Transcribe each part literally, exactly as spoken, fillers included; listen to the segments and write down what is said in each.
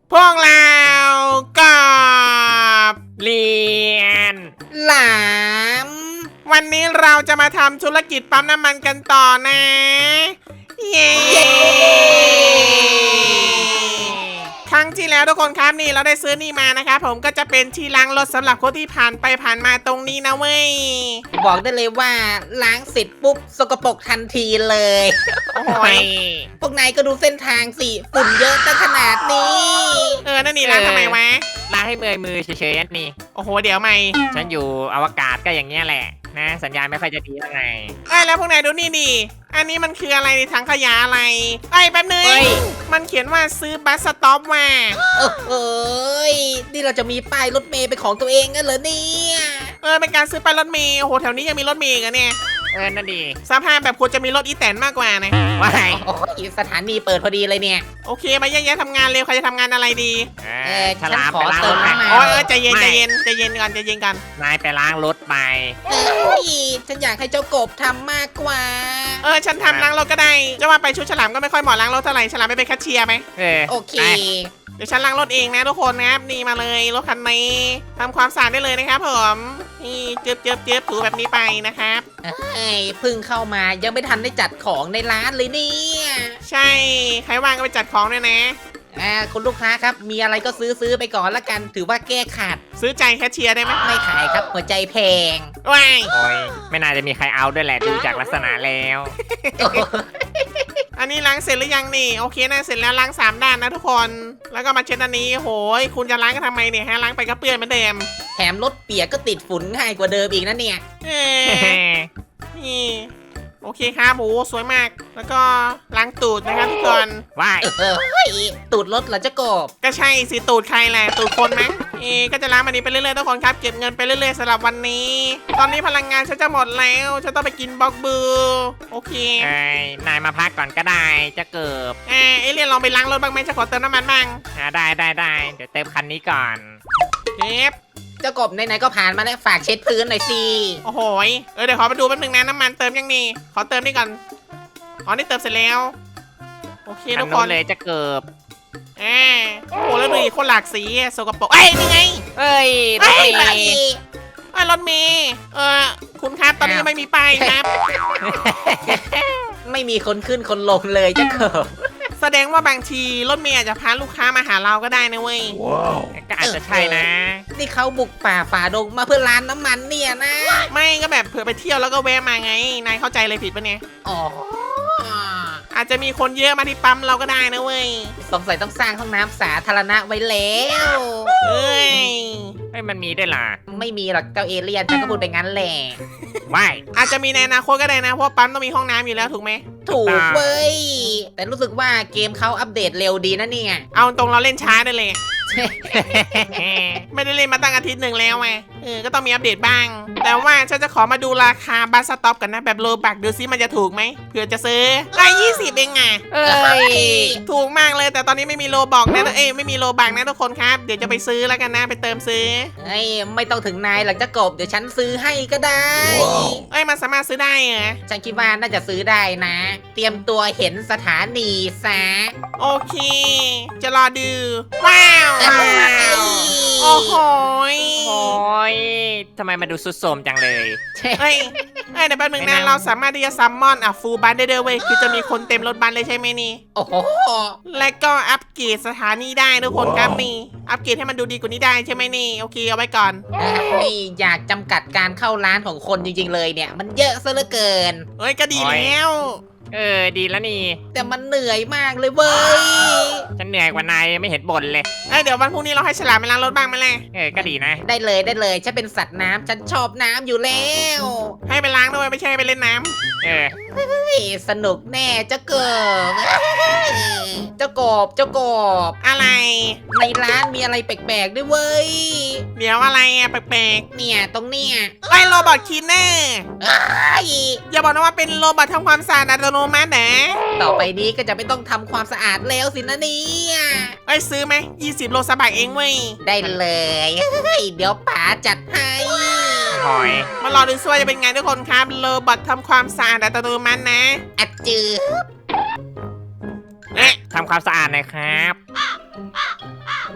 พวกเรากับเรียนหลามวันนี้เราจะมาทำธุรกิจปั๊มน้ำมันกันต่อนะ เย้ครั้งที่แล้วทุกคนครับนี่เราได้ซื้อนี่มานะครับผมก็จะเป็นที่ล้างรถสำหรับคนที่ผ่านไปผ่านมาตรงนี้นะเว้ยบอกได้เลยว่าล้างเสร็จปุ๊บสกปรกทันทีเลยโอ้โหยพวกนายก็ดูเส้นทางสิฝุ่นเยอะตั้งขนาดนี้เออนั่นนี่ล้างทำไมวะล้างให้เมื่อยมือเฉยๆนี่โอ้โหเดี๋ยวไม่ฉันอยู่อวกาศก็อย่างเงี้ยแหละนะ สัญญาณไม่ค่อยจะดีเท่าไหร่ไอ้ยแล้วพวกนายดูนี่ดิอันนี้มันคืออะไรในถังขยะอะไรไอ้ยแป๊บนึงเฮ้ยมันเขียนว่าซื้อบัสสต็อปมาโอ้โหยนี่เราจะมีป้ายรถเมย์เป็นของตัวเองกันเหรอเนี่ยเออเป็นการซื้อไปรถเมล์โอ้โหแถวนี้ยังมีรถเมล์อีกันเนี่ยเออนั่นดีสภาพแบบควรจะมีรถอีแตนมากกว่านะว้ายโอ้ยสถานีเปิดพอดีเลยเนี่ยโอเคมาแยกๆทำงานเร็วใครจะทำงานอะไรดีเอเอออฉลามฉันขอไปล้างเติรมถไปน้ำมันโอ้ยเออใจเย็นใจไม่เย็นใจเย็นก่อนใจเย็นก่อนนายไปล้างรถไปเอ้ยฉันอยากให้เจ้ากบทำมากกว่าเออฉันทำล้างรถก็ได้จะว่าไปชุดฉลามก็ไม่ค่อยเหมาะล้างรถเท่าไหร่ฉลามไม่เป็นแคชเชียร์ไหมเออโอเคไปเดี๋ยวฉันล้างรถเองนะทุกคนนะครับนี่มาเลยรถคันนี้ทำความสะอาดได้เลยนะครับผมนี่เจี๊ยบเจี๊ยบเจี๊ยบถูแบบนี้ไปนะครับเอ้ยเพิ่งเข้ามายังไม่ทันได้จัดของในร้านเลยเนี่ยใช่ใครว่างก็ไปจัดของด้วยนะอ่าคุณลูกค้าครับมีอะไรก็ซื้อซื้อไปก่อนละกัน ถือว่าแก้ขาดซื้อใจแคชเชียร์ได้ไหมไม่ขายครับหัวใจแพงว้ายโอ้ยไม่น่าจะมีใครเอาด้วยแหละดูจากลักษณะแล้วอันนี้ล้างเสร็จหรือยังนี่โอเคนะเสร็จแล้วล้างสามด้านนะทุกคนแล้วก็มาเช็ดอันนี้โหยคุณจะล้างกันทำไมเนี่ยฮะล้างไปก็เปื้อนเหมือนเดิมแถมรถเปียกก็ติดฝุ่นง่ายกว่าเดิมอีกนะเนี่ยเออนี่โอเคครับโอ้สวยมาก แล้วก็ล้างตูดนะครับทุกคนว้ายเฮ้ยตูดรถเหรอเจ้ากบก็ใช่สิตูดใครแหละตูดคนไหมเอก็จะล้างมันนี้ไปเรื่อยๆทุกคนครับเก็บเงินไปเรื่อยๆสำหรับวันนี้ ตอนนี้พลังงานฉันจะหมดแล้วฉันต้องไปกินบล็อกเบอร์โอเคเอ้ยนายมาพักก่อนก็ได้จะเกิบอ่าเอเลียนลองไปล้างรถบ้างไหมจะขอเติมน้ำมันบ้างอ่าได้ได้ได้เดี๋ยวเติมคันนี้ก่อนเก็บเจ้ากบไหนๆก็ผ่านมาแล้วฝากเช็ดพื้นหน่อยสิโอ้โหยเออเดี๋ยวขอไปดูแป๊บนึงนะน้ำมันเติมยังนี่ขอเติมนี่ก่อนอ๋อนี่เติมเสร็จแล้วโอเคคันทุกคนู้นนเลยจะเกิบอ่าโอ้โหแล้วดูดิคนหลากสีอะสกปรกเอ้ยนี่ไงเอ้ยเอ้ไปย ไอ้ยรถเมย์เออคุณครับตอนนี้ยังไม่มีป้ายครับไม่มีคนขึ้นคนลงเลยเจ้ากบแสดงว่าบางทีรถเมย์อาจจะพาลูกค้ามาหาเราก็ได้นะเว้ยก็อาจจะใช่นะนี่เขาบุกป่าฝ่าดงมาเพื่อร้านน้ำมันเนี่ยนะไม่ก็แบบเผื่อไปเที่ยวแล้วก็แวะมาไงนายเข้าใจเลยผิดปะเนี่ยอ๋ออาจจะมีคนเยอะมาที่ปั๊มเราก็ได้นะเว้ยสงสัยต้องสร้างห้องน้ำสาธารณะไว้แล้วเอ้ยเฮ้ยมันมีด้วยล่ะไม่มีหรอกเจ้าเอเลี่ยนฉันก็พูดไปงั้นแหละว้ายอาจจะมีในอนาคตก็ได้นะเพราะปั๊มต้องมีห้องน้ำอยู่แล้วถูกไหมถูกเว้ย แต่รู้สึกว่าเกมเขาอัปเดตเร็วดีนะเนี่ยเอาตรงเราเล่นช้าได้เลย ไม่ได้เล่นมาตั้งอาทิตย์หนึ่งแล้วไงเออก็ต้องมีอัปเดตบ้าง แต่ว่าฉันจะขอมาดูราคาบัสสต็อปกันนะแบบโลบักดูซิมันจะถูกไหมเผื่อจะซื้อได้ยี่สิบเองไงเอ้ยถูกมากเลยแต่ตอนนี้ไม่มีโลบอกนะเอ้ยไม่มีโลบักนะทุกคนครับเดี๋ยวจะไปซื้อแล้วกันนะไปเติมซื้อเฮ้ยไม่ต้องถึงนายหรอกเจ้ากบเดี๋ยวฉันซื้อให้ก็ได้เอ้ยมันสามารถซื้อได้เหรอฉันคิดว่าน่าจะซื้อได้นะ เตรียมตัวเห็นสถานีซะโอเค จะรอดูว้าวโอ้โหยโอ้ยทำไมมาดูสุดโทรมจังเลยเอ้ยเอ้ยเดี๋ยวแป๊บนึงไม่นะน่าเราสามารถที่จะซัมมอนอ่ะฟูลบัสได้ด้วยเว้ยคือจะมีคนเต็มรถบัสเลยใช่ไหมนี่โอ้โหและก็อัปเกรดสถานีได้ทุกคนครับนี่อัปเกรดให้มันดูดีกว่านี้ได้ใช่ไหมนี่โอเคเอาไว้ก่อนเฮ้ยอยากจำกัดการเข้าร้านของคนจริงๆเลยเนี่ย มันเยอะซะเหลือเกินเอ้ยก็ดีแล้วเออดีแล้วนี่แต่มันเหนื่อยมากเลยเว้ยฉันเหนื่อยกว่านายไม่เห็นบ่นเลยเอ้ยเดี๋ยววันพรุ่งนี้เราให้ฉลามไปล้างรถบ้างไหมล่ะเออก็ดีนะได้เลยได้เลยฉันเป็นสัตว์น้ำฉันชอบน้ำอยู่แล้วให้ไปล้างด้วยไม่ใช่ไปเล่นน้ำเออเฮ้ยสนุกแน่เจ้ากบเจ้ากบเจ้ากบอะไรในร้านมีอะไรแปลกๆด้วยเว้ยเดี๋ยวอะไรอ่ะแปลกเนี่ยตรงเนี้ยๆไอ้โรบอทคีนเนอร์เอ้ยอย่าบอกนะว่าเป็นโรบอททำความสะอาดอัตโนมัตินะต่อไปนี้ก็จะไม่ต้องทำความสะอาดแล้วสินะเนี่ยเอ้ยซื้อไหมยี่สิบโลสบายเองเว้ยได้เลยเฮ้ยเดี๋ยวป๋าจัดให้หอยมารอดูซิว่าจะเป็นไงทุกคนครับโรบอททำความสะอาดอัตโนมัตินะอัดจืดเอ๊ะทำความสะอาดหน่อยครับ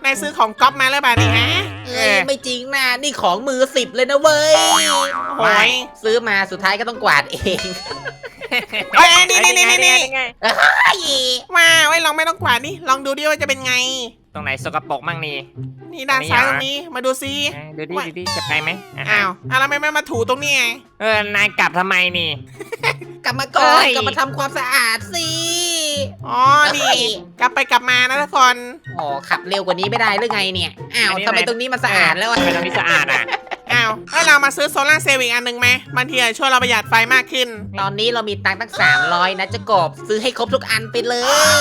นายซื้อของก๊อปมาแล้วป่ะนี่ฮะเอ้ยไม่จริงนะนี่ของมือสิบเลยนะเว้ยโอ้ยซื้อมาสุดท้ายก็ต้องกวาดเองเอ้ยนี่นี่นี่นี่นี่ไงเอ้ยว้าวไอ้ยลองไม่ต้องกวาดนี่ลองดูดิว่าจะเป็นไงตรงไหนสกปรกมั่งนี่นี่ด้านซ้ายตรงนี้มาดูซิอ่ะดูดิดูดิจะไปไหมอ่ะอ้าวอ้าวแล้วทำไมไม่มาถูตรงนี้ไงเออนายกลับทำไมนี่กลับมาก่อนเอ้ยกลับมาทำความสะอาดสิอ๋อนี่กลับไปกลับมานะทุกคนอ๋อขับเร็วกว่านี้ไม่ได้หรือไงเนี่ยอ้าวทำไมตรงนี้มันสะอาดแล้วอะทำไมตรงนี้สะอาดอ่ะอ้าวให้เรามาซื้อโซลาร์เซลล์อีกอันหนึ่งไหมบางทีอาจจะช่วยเราประหยัดไฟมากขึ้นตอนนี้เรามีตังค์ตั้งสามร้อยนะเจะกบซื้อให้ครบทุกอันไปเลย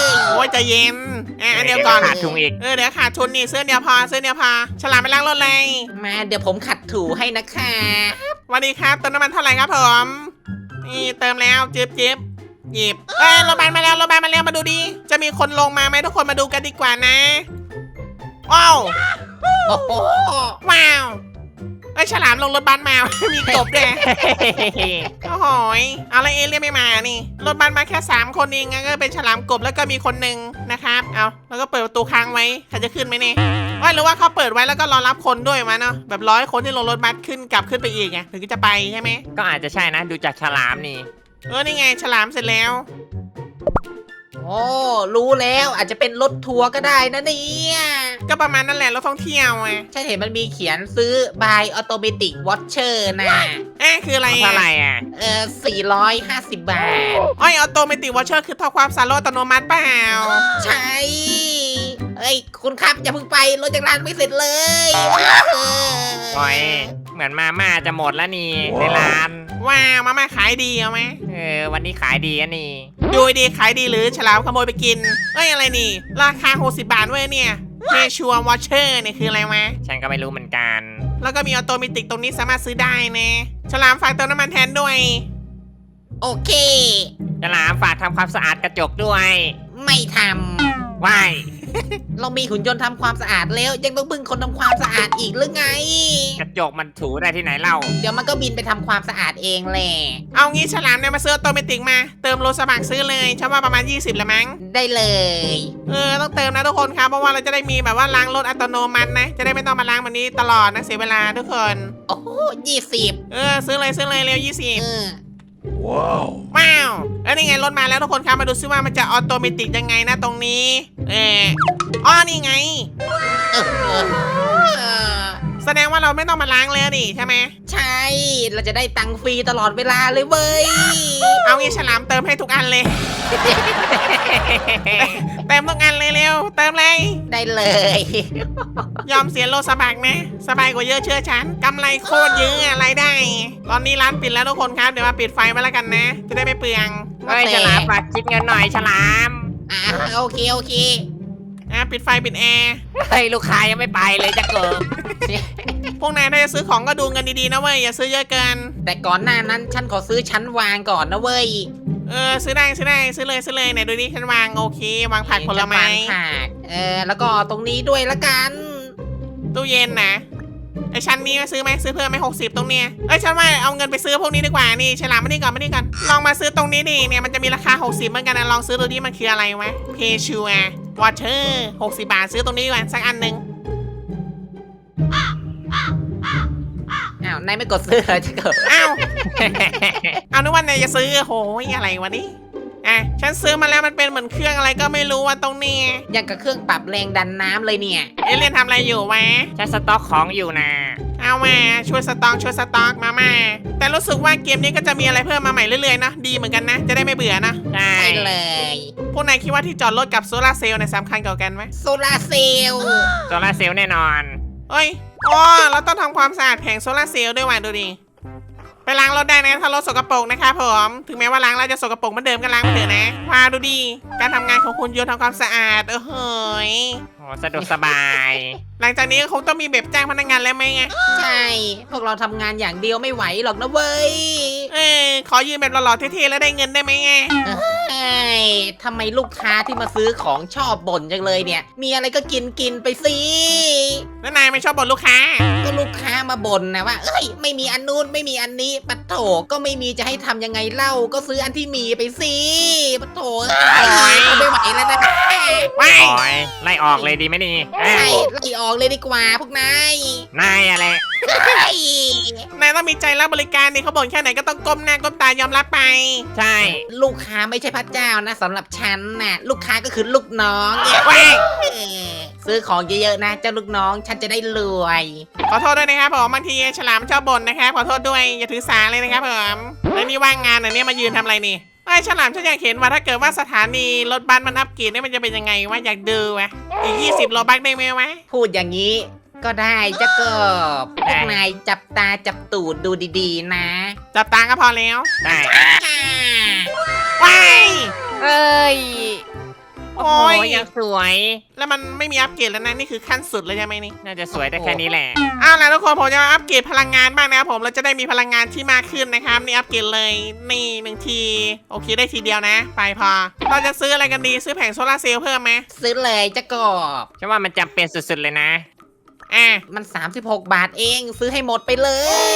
โอ้ยใจเย็นอ่ะอันเดียวก่อนขาดทุงอีกเออเดี๋ยวขาดทุนนี่ซื้ออนเดียวพอซื้ออนเดียวพอฉลามไปล้างรถเลยมาเดี๋ยวผมขัดถูให้นะคะสวัสดีครับเติมน้ำมันเท่าไหร่ครับผมนี่เติมแล้วจิ๊บจิ๊บหยิบเอ้ยรถบัสมาแล้วรถบัสมาแล้วมาดูดิจะมีคนลงมาไหมทุกคนมาดูกันดีกว่านะว้าวโอ้โหว้าวไอ้ยฉลามลงรถบัสมา มีกบด้วยโอ้โหยเอาแล้วเอเลี่ยนไม่มานี่รถบัสมาแค่สามคนเองงั้นก็เป็นฉลามกบแล้วก็มีคนหนึ่งนะครับเอาแล้วก็เปิดประตูค้างไว้ใครจะขึ้นไหมเนี่ยว่าหรือว่าเขาเปิดไว้แล้วก็รอรับคนด้วยมาเนาะแบบร้อยคนที่ลงรถบัสขึ้นกลับขึ้นไปอีกไงถึงจะไปใช่ไหมก็อาจจะใช่นะดูจากฉลามนี่เออนี่ไงฉลามเสร็จแล้วโอ้รู้แล้วอาจจะเป็นรถทัวร์ก็ได้นะเนี่ยก็ประมาณนั่นแหละรถท่องเที่ยวไงฉันเห็นมันมีเขียนซื้อ by automatic watcher นะเอ๊ะคืออะไรเท่าอ่ะไหร่อ่ะเออสี่ร้อยห้าสิบบาทอ้อยออโตเมติวอชเชอร์คือท่อความสารโลดอัตโนมัติเปล่าใช่เอ้ยคุณครับอย่าเพิ่งไปรถจากร้านไม่เสร็จเลยโอ้ยเหมือนมาม่าจะหมดแล้วนี่ในร้านว้าวมาม่าขายดีเอาไหมเออวันนี้ขายดีอะนี่ดูดีขายดีหรือฉลามขโมยไปกินเอ้ยอะไรนี่ ราคาหกสิบบาทเว้ยเนี่ยเพชัววอชเชอร์เนี่ยคืออะไรวะฉันก็ไม่รู้เหมือนกันแล้วก็มีออโตเมติกตรงนี้สามารถซื้อได้นะฉลามฝากเติมน้ำมันแทนด้วยโอเคฉลามฝากทำความสะอาดกระจกด้วยไม่ทว้ายำเรามีหุ่นยนต์ทำความสะอาดแล้ว ยังต้องพึ่งคนทำความสะอาดอีกหรือไงกระจกมันถูได้ที่ไหนเล่าเดี๋ยวมันก็บินไปทำความสะอาดเองแหละเอางี้ฉลามเนี่ยมาซื้อออโตเมติกมาเติมโลสมัครซื้อเลยฉันว่าประมาณยี่สิบละมั้งได้เลยเออต้องเติมนะทุกคนครับเพราะว่าเราจะได้มีแบบว่าล้างรถอัตโนมัตินะจะได้ไม่ต้องมาล้างแบบนี้ตลอดนะเสียเวลาทุกคนโอ้โหยี่สิบเออซื้อเลยซื้อเลยเร็วยี่สิบเออว้าวแล้วนี่ไงรถมาแล้วทุกคนครับมาดูซิว่ามันจะออโตเมติกยังไงนะตรงนี้เอออ๋อนี่ไงเออเออเออแสดงว่าเราไม่ต้องมาล้างเลยนี่ใช่ไหมใช่ เราจะได้ตังค์ฟรีตลอดเวลาเลยเว้ยเอางี้ฉลามเติมให้ทุกอันเลย เติมทุกอันเลยเร็วเติมเลยได้เลยยอมเสียโลสบักนะสบายกว่าเยอะเชื่อฉันกำไรโคตรเยอะอะไรได้ ตอนนี้ร้านปิดแล้วทุกคนครับเดี๋ยวมาปิดไฟไว้แล้วกันนะ จะได้ไม่เปลืองเฮ้ยฉลามฝากคิดเงินหน่อยฉลามอ่าโอเคโอเคอ่ะปิดไฟปิดแอร์เฮ้ยลูกค้ายังไม่ไปเลยจะเกิดพวกนายถ้าจะซื้อของก็ดูเงินดีๆนะเว้ยอย่าซื้อเยอะเกินแต่ก่อนหน้านั้นฉันขอซื้อชั้นวางก่อนนะเว้ยเออซื้อได้ซื้อได้ซื้อเลยซื้อเลยเนี่ยดูนี่ฉันวางโอเควางผักผลไม้ชั้นวางผักเออแล้วก็ตรงนี้ด้วยละกันตู้เย็นนะไอชั้นนี้ซื้อไหมซื้อเพิ่มไหมหกสิบตรงเนี้ยเอ้ยฉันว่าเอาเงินไปซื้อพวกนี้ดีกว่านี่ฉลามมานี่ก่อนมานี่ก่อนลองมาซื้อตรงนี้ดิเนี่ยมันจะมีราคาหกสิบเหมือนกันนะลองซื้อดูดิมันคืออะไรวะเพชัววอเชอร์หกสิบบาทซื้อตรงนี้ดีกว่าสักอันหนึ่งอ้าวนายไม่กดซื้อเหรอจะเกิดอ้าว เอานึกว่านายจะซื้อโหยอะไรวะนี่อ่ะฉันซื้อมาแล้วมันเป็นเหมือนเครื่องอะไรก็ไม่รู้ว่าตรงนี้ยังกับเครื่องปรับแรงดันน้ำเลยเนี่ยเอเลี่ยนทำอะไรอยู่วะฉันสต็อกของอยู่นะเอามาช่วยสต็อกช่วยสต็อกมามาแต่รู้สึกว่าเกมนี้ก็จะมีอะไรเพิ่มมาใหม่เรื่อยๆนะดีเหมือนกันนะจะได้ไม่เบื่อนะใช่ใช่เลยพวกนายคิดว่าที่จอดรถกับโซลาร์เซลล์เนี่ยสำคัญกว่ากันไหมโซลาร์เซลล์โซลาร์เซลล์แน่นอนเอ้ยอ๋อเราต้องทำความสะอาดแผงโซลาร์เซลล์ด้วยว่ะดูดิไปล้างรถได้นะถ้ารถสกปรกนะคะผมถึงแม้ว่าล้างแล้วจะสกปรกเหมือนเดิมก็ล้างไปเถอะนะว้าดูดิการทำงานของคุณโยนทำความสะอาดเออเฮ้ยโอ้สะดวกสบายหลังจากนี้ก็คงต้องมีแบบจ้างพนักงานแล้วไหมไงใช่ พวกเราทำงานอย่างเดียวไม่ไหวหรอกนะเว้ยเออขอยืมแบบหล่อๆเท่ๆแล้วได้เงินได้ไหมไงเอ้ยทำไมลูกค้าที่มาซื้อของชอบบ่นจังเลยเนี่ย มีอะไรก็กินกินไปสิแล้วนายไม่ชอบบ่นลูกค้าก็ลูกค้ามาบ่นนะว่าเอ้ยไม่มีอันนู้นไม่มีอันนี้ปะโถก็ไม่มีจะให้ทำยังไงเล่าก็ซื้ออันที่มีไปสิปะโถเอ้ยไม่ไหวแล้วนะว้ายโอ้ยไล่ออกเลยดีไหมนี่เอ้ใช่ยไล่ออกเลยดีกว่าพวกนายนายอะไรเฮ้ยนายต้องมีใจรับบริการนี่เขาบ่นแค่ไหนก็ต้องก้มหน้าก้มตายอมรับไปใช่ลูกค้าไม่ใช่พระเจ้านะสำหรับฉันน่ะลูกค้าก็คือลูกน้องเนี่ยว้ายเออซื้อของเยอะๆนะเจ้าลูกน้องฉันจะได้รวยขอโทษด้วยนะครับผมบางทีฉลามชอบบ่นนะครับขอโทษด้วยอย่าถือสาเลยนะครับผมแล้วนี่ว่างงานอันนี้มายืนทำอะไรนี่ไอ้ฉลามฉันอยากเห็นว่าถ้าเกิดว่าสถานีรถบัสมันอัปเกรดเนี่ยมันจะเป็นยังไงวะอยากดูวะอีกยี่สิบโลบักได้ไหมวะพูดอย่างนี้ก็ได้เจ้ากบพวกนายจับตาจับตูดดูดีๆนะจับตาก็พอแล้วได้อ่าว้ายเอ้ยโอ้โอ้ยยยังสวยแล้วมันไม่มีอัปเกรดแล้วนะนี่คือขั้นสุดเลยใช่ไหมนี่น่าจะสวยได้แค่นี้แหละอ้าวแล้วทุกคนผมจะมาอัปเกรดพลังงานบ้างนะครับผมเราจะได้มีพลังงานที่มากขึ้นนะครับนี่อัปเกรดเลยนี่หนึ่งทีโอเคได้ทีเดียวนะ ไปพอ เราจะซื้ออะไรกันดีซื้อแผงโซลาร์เซลล์เพิ่มไหมซื้อเลยเจ้ากบฉันว่ามันจำเป็นสุดๆเลยนะอ่ะมัน สามสิบหก บาทเองซื้อให้หมดไปเลย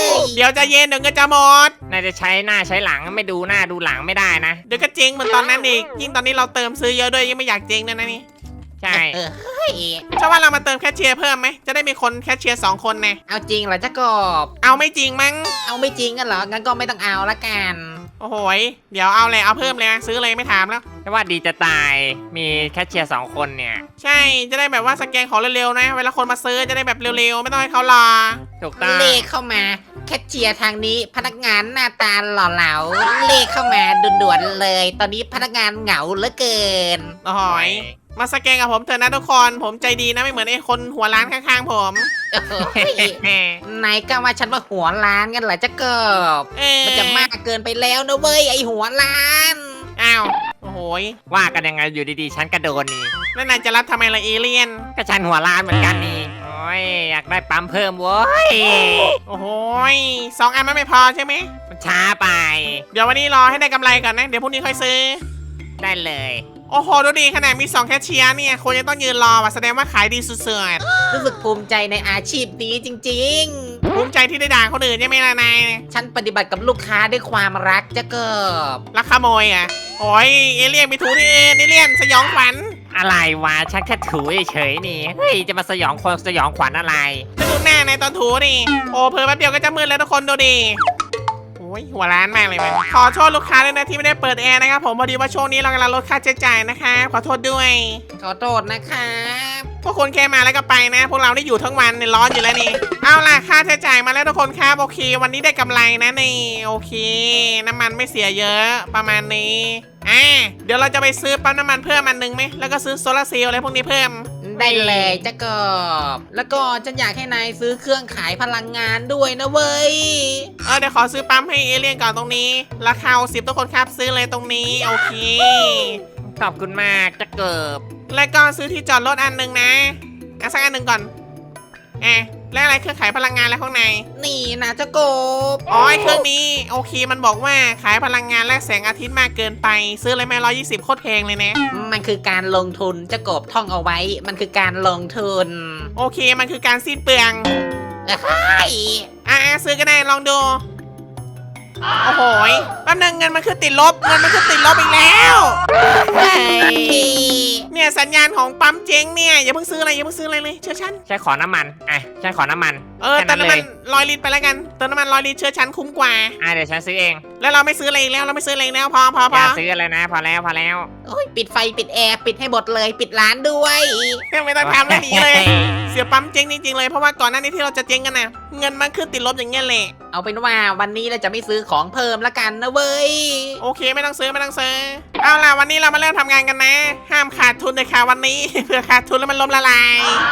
เดี๋ยวจะเย็นเดี๋ยวเงินจะหมดน่าจะใช้หน้าใช้หลังไม่ดูหน้าดูหลังไม่ได้นะเดี๋ยวก็เจ๊งเหมือนตอนนั้นอีกยิ่งตอนนี้เราเติมซื้อเยอะด้วยยังไม่อยากเจ๊งด้วยนะนี่ใช่เออเฮ้ยชอบว่าเรามาเติมแคชเชียร์เพิ่มไหมจะได้มีคนแคชเชียร์สองคนนะเอาจริงเหรอเจ้ากบเอาไม่จริงมั้งเอาไม่จริงกันเหรองั้นก็ไม่ต้องเอาละกันโอ้โหยเดี๋ยวเอาเลยเอาเพิ่มเลยนะซื้อเลยไม่ถามแล้วฉันว่าดีจะตายมีแคชเชียร์สองคนเนี่ยใช่จะได้แบบว่าสแกนของเร็วๆนะ เวลาคนมาซื้อจะได้แบบเร็วๆไม่ต้องให้เขารอถูกต้องเลขเข้ามาแคชเชียร์ทางนี้พนักงานหน้าตาหล่อเหลาเลขเข้ามาด่วนๆเลย ตอนนี้พนักงานเหงาเหลือเกินโอ้โหยมาสแกนกับผมเถอะนะทุกคนผมใจดีนะไม่เหมือนไอ้คนหัวร้านข้างๆผมโอ้ยนายก็ว่าฉันว่าหัวล้านกันเหรอเจ้ากบเออมันจะมากเกินไปแล้วนะเว้ยไอหัวล้านอ้าวโอ้โหยว่ากันยังไงอยู่ดีๆ ฉันกระโดนนี่แล้วนายจะรับทำไมล่ะเอเลี่ยนก็ฉันหัวล้านเหมือนกันนี่ โอ้ยอยากได้ปั๊มเพิ่มเว้ยโอ้โหยสองอันมันไม่พอใช่ไหมมันช้าไปเดี๋ยววันนี้รอให้ได้กำไรก่อนนะ เดี๋ยวพรุ่งนี้ค่อยซื้อได้เลยโอ้โห ดูดีขนาดมีสองแคชเชียร์เนี่ยคนจะต้องยืนรอว่ะแสดงว่าขายดีสุดรู้สึกภูมิใจในอาชีพนี้จริงๆภูมิใจที่ได้ด่าคนอื่นใช่ไหมล่ะนายๆ ฉันปฏิบัติกับลูกค้าด้วยความรักเจ้ากบลักขโมยอ่ะ โอ้ยเอเลี่ยนไปถูที่เอเลี่ยนสยองขวัญอะไรวะ ฉันแค่ถูเฉยๆนี่ เฮ้ย จะมาสยองคนสยองขวัญอะไรแล้วดูหน้าในตอนถูนี่โอ้เพอแป๊บเดียวก็จะมืดแล้วทุกคนดูดิโอ้ยหัวร้านมากเลยมันขอโทษลูกค้าด้วยนะที่ไม่ได้เปิดแอร์นะครับผมพอดีว่าช่วงนี้เรากำลังลดค่าใช้จ่ายนะคะขอโทษด้วยขอโทษนะครับพวกคุณแค่มาแล้วก็ไปนะ พวกเราได้อยู่ทั้งวันเนี่ยร้อนอยู่แล้วนี่เอาล่ะค่าใช้จ่ายมาแล้วทุกคนครับโอเค วันนี้ได้กำไรนะนี่โอเค น้ำมันไม่เสียเยอะประมาณนี้อ่ะเดี๋ยวเราจะไปซื้อปั๊มน้ำมันเพิ่มอันหนึงไหมแล้วก็ซื้อโซลาร์เซลล์อะไรพวกนี้เพิ่มได้เลยเจ้ากบแล้วก็ฉันอยากให้นายซื้อเครื่องขายพลังงานด้วยนะเว้ยเออเดี๋ยวขอซื้อปั๊มให้เอเลี่ยนก่อนตรงนี้ ราคาสิบทุกคนครับซื้อเลยตรงนี้โอเคขอบคุณมากจะเกิบแล้วก็ซื้อที่จอดรถอันหนึ่งนะอ่ะสักอันหนึ่งก่อนอ่ะแล้วอะไรเครื่องขายพลังงานแล้วข้างในนี่นะเจ้ากบอ๋อไอ้เครื่องนี้โอเคมันบอกว่าขายพลังงานและแสงอาทิตย์มากเกินไป ซื้อเลยไหมร้อยยี่สิบโคตรแพงเลยนะมันคือการลงทุนเจ้ากบท่องเอาไว้ มันคือการลงทุนโอเคมันคือการสิ้นเปลืองเอ้ยอ่ะซื้อก็ได้ลองดูโอ้โหยแป๊บนึงเงินมันคือติดลบเงินมันคือติดลบอีกแล้วเฮ้ยเนี่ยสัญญาณของปั๊มเจ๊งเนี่ยอย่าเพิ่งซื้ออะไรอย่าเพิ่งซื้ออะไรเลยเชื่อฉันฉันขอน้ำมัน อ่ะ ฉันขอน้ำมันเออแค่เติมน้ำมันเลยร้อยลิตรไปแล้วกันเติมน้ำมันร้อยลิตรเชื่อฉันคุ้มกว่าอ่ะเดี๋ยวฉันซื้อเองแล้วเราไม่ซื้ออะไรอีกแล้วเราไม่ซื้ออะไรอีกแล้วพอพออพอย่าซื้ออะไรนะ พอแล้วพอแล้วโอ้ยปิดไฟปิดแอร์ปิดให้หมดเลยปิดร้านด้วยไม่ต้องทำแล้วหนีเลย เสียปั๊มเจ๊งจริงๆเลยเพราะว่าก่อนหน้านี้ที่เราจะเจ๊งกันนะเงินมันขึ้นติดลบอย่างเงี้ยแหละเอาเป็นว่าวันนี้เราจะไม่ซื้อของเพิ่มละกันนะเว้ยโอเคไม่ต้องซื้อไม่ต้องซื้อเอาล่ะวันนี้เรามาเริ่มทำงานกันนะ ห้ามขาดทุนเลยค่ะวันนี้ เผื่อขาดทุนแล้วมันล้มละลาย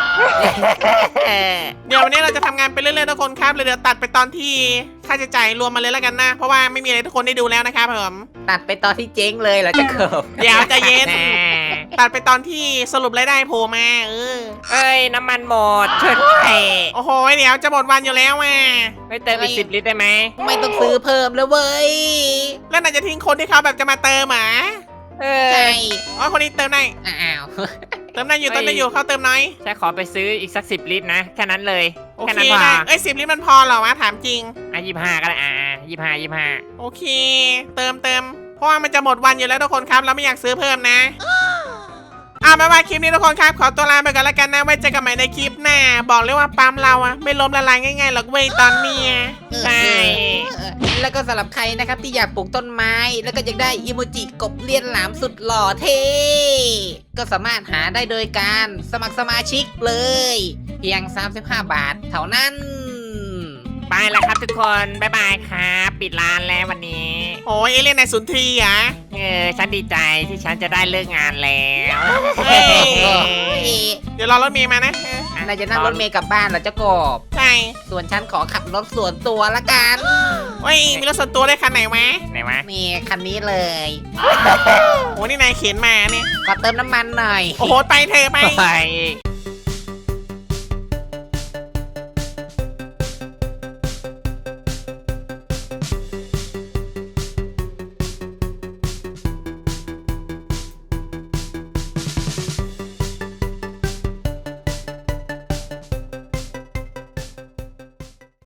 เดี๋ยววันนี้เราจะทำงานไปเรื่อยๆทุกคนครับเลยเดี๋ยวตัดไปตอนที่ค่าใช้จ่ายรวมมาเลยแล้วกันนะ เพราะว่าไม่มีอะไรทุกคนได้ดูแล้วนะครับผมตัดไปตอนที่เจ๊งเลยเหรอเจ้ากบเดี๋ยวใจะเย็นแน่ตัดไปตอนที่สรุปรายได้โผล่มาเออเอ้ย น้ำมันหมดช่วยด้วยโอ้โหเดี๋ยวจะหมดวันอยู่แล้วอ่ะไม่เติมอีกสิบลิตรได้ไหมไม่ต้องซื้อเพิ่มแล้วเว้ยแล้วนายจะทิ้งคนที่เขาแบบจะมาเติมหมาเอใช่ออ๋อคนนี้เติมได้อ้าวเติมได้อยู่เติมได้อยู่เขาเติมน้อยฉันขอไปซื้ออีกสักสิบลิตรนะแค่นั้นเลยโอแค่เคนั้นพอได้เอ้ยสิบลิตรมันพอเหรอวะถามจริงอ่ะยี่ห้าก็ได้อ่ายี่ห้ายี่ห้าโอเค เติมเติมเพราะว่ามันจะหมดวันอยู่แล้วทุกคนครับเราไม่อยากซื้อเพิ่มนะเอาไม่ว่าคลิปนี้ทุกคนครับขอตัวลาไปก่อนแล้วกันนะไว้เจอกันใหม่ในคลิปหน้าบอกเลยว่าปั๊มเราอะไม่ล้มละลายง่ายๆหรอกเว้ยตอนเนี้ยใช่เออแล้วก็สำหรับใครนะครับที่อยากปลูกต้นไม้ แล้วก็อยากได้อิโมจิกบเลียนหลามสุดหล่อเท่ก็สามารถหาได้โดยการสมัครสมาชิกเลย เพียง สามสิบห้า บาทเท่านั้นไปแล้วครับทุกคนบ๊ายบายครับปิดร้านแล้ววันนี้โอ้ยเอเลี่ยนในสุนทรีย์อ่ะเออฉันดีใจที่ฉันจะได้เลิกงานแล้วเฮ้ยโอ้ยเดี๋ยวรอรถเมย์มานะเออนายจะนั่งรถเมล์กลับบ้านเหรอเจ้ากบใช่ส่วนฉันขอขับรถส่วนตัวละกันโอ้ยมีรถส่วนตัวได้คันไหนวะไหนวะนี่คันนี้เลยโอ้นี่นายเข็นมาเนี่ยขอเติมน้ำมันหน่อยโอ้โหไปเธอะไปไป